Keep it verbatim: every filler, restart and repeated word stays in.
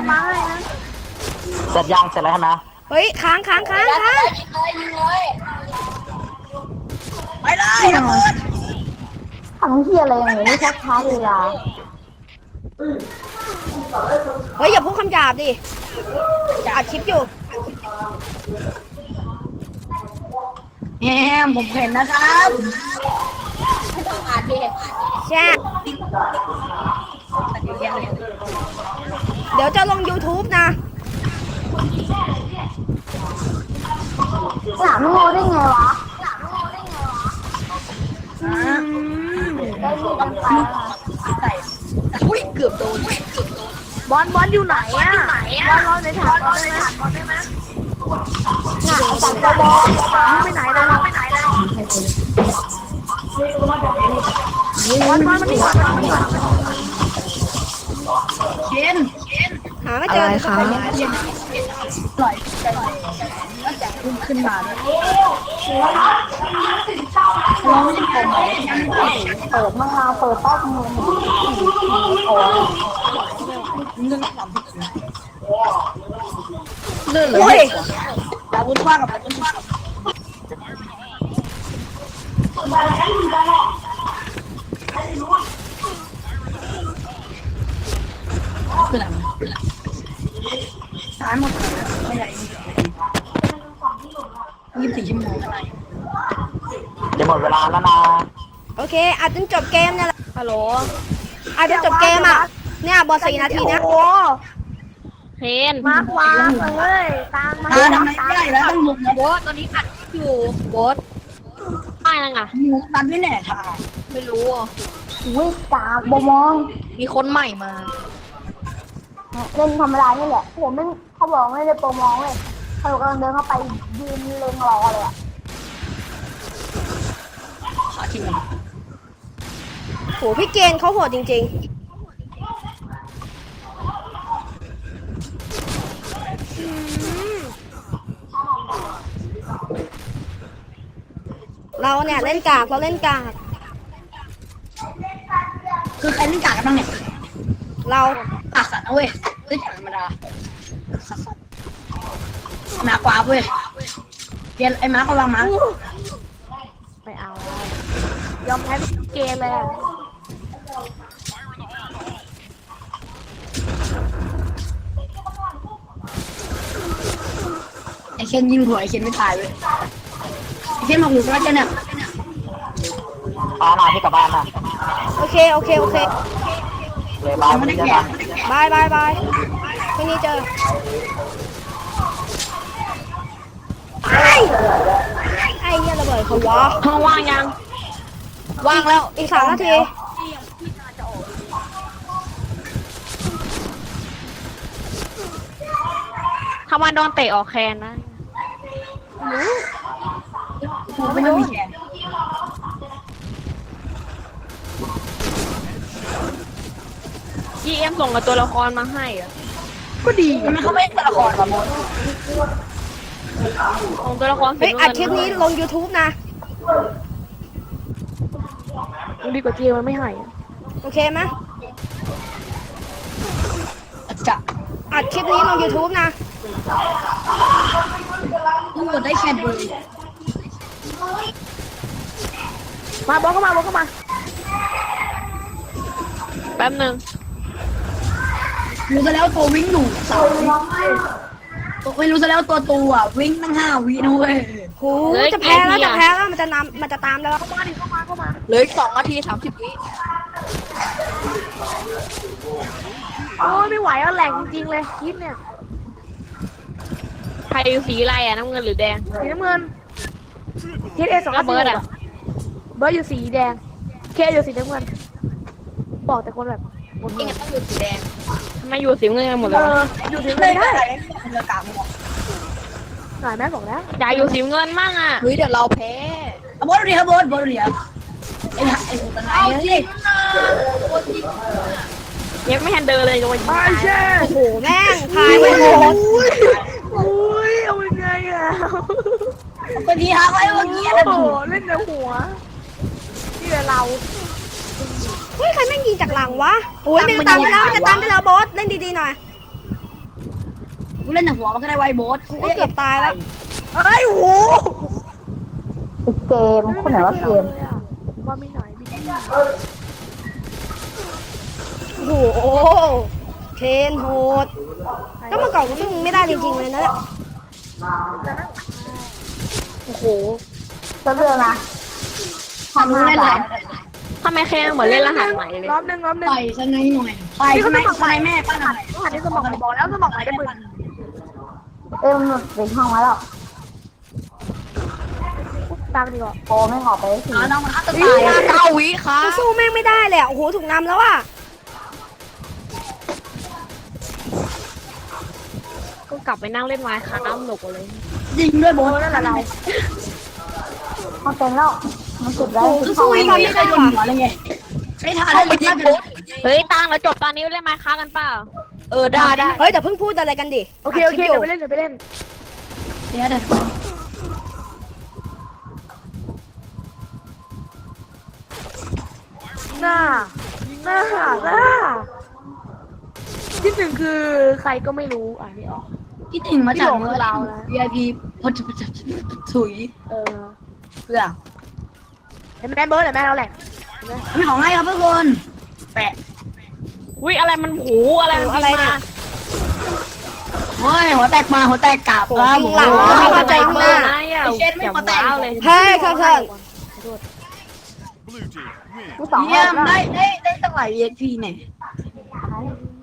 มาให้นะเสร็จยังเสร็จแล้วใช่ไหมเฮ้ยค้างค้างค้างค้างไปเลยระเบิดทำเฮียอะไรอย่างนี้ชักช้าเวลาเฮ้ยอย่าพูดคำหยาบดิอย่าอัดคลิปอยู่แฮมผมเห็นนะครับไม่ต้องอ่านดิแช่เดี๋ยวจะลง YouTube นะหลามโง่ได้ไงวะอ่าได้ยินกันไปใส่อุ้ยเกือบโดนบอลบอลอยู่ไหนอ่ะบอลรอในฐานบอลได้ไหมได้ไหมน่ะจับกระบอกไปไหนแล้วไปไหนแล้วบอลบอลมันนี่เชนหาไม่เจอเชนปล่อยใจแล้วแจกขึ้นขึ้นมาด้วยร้องยังคงไหมเปิดมะนาวเปิดต้มมือโอ้ยเรื่องความผิดเรื่องเลยดาวุ้นว่ากับดาวุ้นว่าคืออะไรตายหมดไม่ใหญ่ยี่สิบสี่ชั่วโมงอะไรจะหมดเวลาแล้วนะโอเคอัดจนจบเกมเนี่ยแหละฮัลโหลอัดจนจบเกมอ่ะเนี่ยบอลสี่นาทีนะเพนมากวางเลยตามมาทำไมไม่ได้แล้วต้องมุกนะโบสตอนนี้อัดอยู่โบสไม่นังอ่ะมุกตันไม่แน่ท่าไม่รู้อ่ะวิ่งตามบมองมีคนใหม่มาเล่นธรรมดานี่แหละผมไม่เขาบอกไม่ได้โปรมองเลยเขากำลังเดินเข้าไปยืนเล็งรอเลยอ่ะขาทิ้งโหพี่เกณฑ์เขาโหดจริงๆอืมเราเนี่ยเล่นกากเราเล่นกากคือใครเล่นกากันบ้างเนี่ยเราปากสัตว์นะเว้ยเล่นกาธรรมดาหนากว่าเว้ยเรียนไอ้ม้ากำลังมาไม่เอายอมแพ้เกมเลยอ่ะไอ้เคนยิงหัวไอ้เคนไม่ตายเว้ยไอ้เคนมาหูก็จะเนี่ยปาหนาพี่กลับบ้านนะโอเคโอเคโอเคเลยบ้านไม่ไม่ได้ได้แกะบ้านบายบายบายพรุ่งนี้เจอไอ้ไอ้เหี้ยระเบิดเขาวะห้องว่างยังว่างแล้วอีกสามนาทีถ้ามันโดนเตะออกแคนนะไม่ต้องมีแขนจีเอ็มส่งกับตัวละครมาให้เหรอก็ดีทำไมเขาไม่ตัวละครวะมดส่งตัวละครเฮ้ยอัดคลิปนี้ลง YouTube นะดีกว่าเจมันไม่ให้อะโอเคไหมจะอัดคลิปนี้ลง YouTube นะตำรวจได้แค่ดูมาบอลเข้ามาบอลเข้ามาแป๊บหนึ่งรู้ซะแล้วตัววิ่งหนูสาวตัวไม่รู้ซะแล้วตัวตัวอ่ะวิ่งตั้งห้าวินะเว้ยโหจะแพ้แล้วจะแพ้แล้วมันจะนำมันจะตามแล้วเข้ามาดิเข้ามาเข้ามาเหลืออีกสองนาทีสามสิบวิโอ้ยไม่ไหวแล้วแหลกจริงๆเลยคลิปเนี่ยใครอยู่สีอะไรอ่ะน้ำเงินหรือแดงสีน้ำเงินทีเอสองแล้วเบิร์ดอ่ะเบิร์ดอยู่สีแดง เคอยู่สีน้ำเงิน บอกแต่คนแบบหมดจริงๆต้องอยู่สีแดงทำไมอยู่สีเงินกันหมดเอเลยอวะอยู่สีเลเงินยได้ได้เรือกลางหมดหน่อยแม่บอกแล้วอยากอยู่สีเงินมั่งอ่ะเฮ้ยเดี๋ยวเราแพ้บอสเรียบอสบอสเรียไอ้ไอ้ตัวไหนเนี่ยยังไม่ทันเดินเลยโดนยิงตายโอ้โหแม่งพายไปหมดอุ้ยเอายังไงอ่ะเป็นทีฮักไว้เมื่อกี้โอ้นะโหเล่นแต่หัวนี่แหละเราเฮ้ยใครแม่งยิงจากหลังวะโอ้ยมันจะตามไปแล้วมันจะตามไปแล้วบอสเล่นดีๆหน่อยกูเล่นแต่หัวมันก็ได้ไวโบสกูก็เกือบตายแล้วเฮ้ยโหอีกเกมคนไหนว่าเกมว่าไม่หน่อยไม่ได้โอ้โหเคนโหดก็เมื่อก่อนกูซึ่งไม่ได้จริงๆเลยนะเนี่ยโอ้โหจะเลือกนะทำรู้เล่นอะไรทำไมแค่เหมือนเล่นรหัสใหม่เลยรอบหนึ่งรอบหนึ่งต่อยสไนหน่อยต่อยสไนสไนแม่ป้าหน่อยรหัสที่สมองบอกแล้วสมองไหนได้ปืนเอ้ยมันเป็นห้องมาแล้วตามดีกว่าโปไม่ออกไปสิอ่าน้องมันฆ่าตัวตายเก้าวิค่ะกูสู้แม่งไม่ได้เลยอะโอ้โหถูกนำแล้วอ่ะก็กลับไปนั่งเล่นไม้ค้างหนุกเลยยิงด้วยโบสนั่นแหละเรามันเป็นแล้วมันสุดได้กูสู้อีกไม่เคยโดนหัวเลยไงไม่ทันเลยยิงโบสเฮ้ยตังเราจบตอนนี้เล่นไม้ค้างกันเปล่าเออได้ได้เฮ้ยแต่เพิ่งพูดอะไรกันดิโอเคโอเคเดี๋ยวไปเล่นเดี๋ยวไปเล่นเดี๋ยวเดี๋ยวหน้าหน้าหน้าที่หนึ่งคือใครก็ไม่รู้อ่ะนี่ออกคิดถึงมาจากเมื่อเรา วี ไอ พี พอจะถุยเออเพื่อเห็นแม่เบิร์ดเห็นแม่เราแหละมีของให้ครับทุกคนแปะอุ้ยอะไรมันหูอะไรมันอะไรเนี่ยเฮ้ยหัวแตกมาหัวแตกกลับโอ้โหยิงหลังไม่เข้าใจเบมาอร์นะอย่าเช็ดไม่อย่าเข้าใจว้าวเลยเฮ้ยข้างที่สองเยี่ยมได้ได้ได้ตั้งหลาย วี ไอ พีเนี่ยเ